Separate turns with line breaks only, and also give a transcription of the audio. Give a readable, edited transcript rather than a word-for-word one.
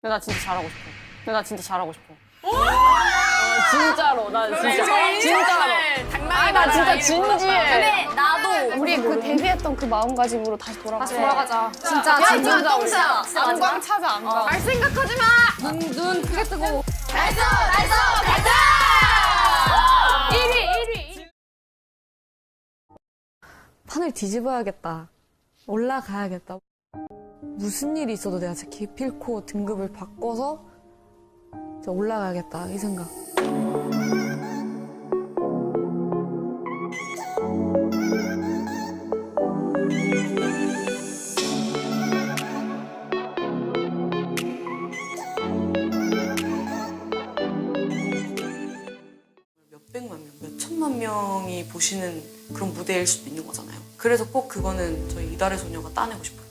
근데 나 진짜 잘하고 싶어. 근데 나 진짜 잘하고 싶어. 진짜로. 나 진짜. 진짜로. 아니, 나 진짜 진지해.
근데 나도
우리 그 데뷔했던 그 마음가짐으로 다시 돌아가자.
다시 돌아가자. 진짜
진짜
진짜
안광 찾아, 안광.
갈 생각하지 마. 눈 크게 뜨고. 달성 가자. 1위.
판을 뒤집어야겠다. 올라가야겠다. 무슨 일이 있어도 내가 진짜 기필코 등급을 바꿔서 진짜 올라가야겠다 이 생각.
몇백만 명, 몇천만 명이 보시는 그런 무대일 수도 있는 거잖아요. 그래서 꼭 그거는 저희 이달의 소녀가 따내고 싶어요.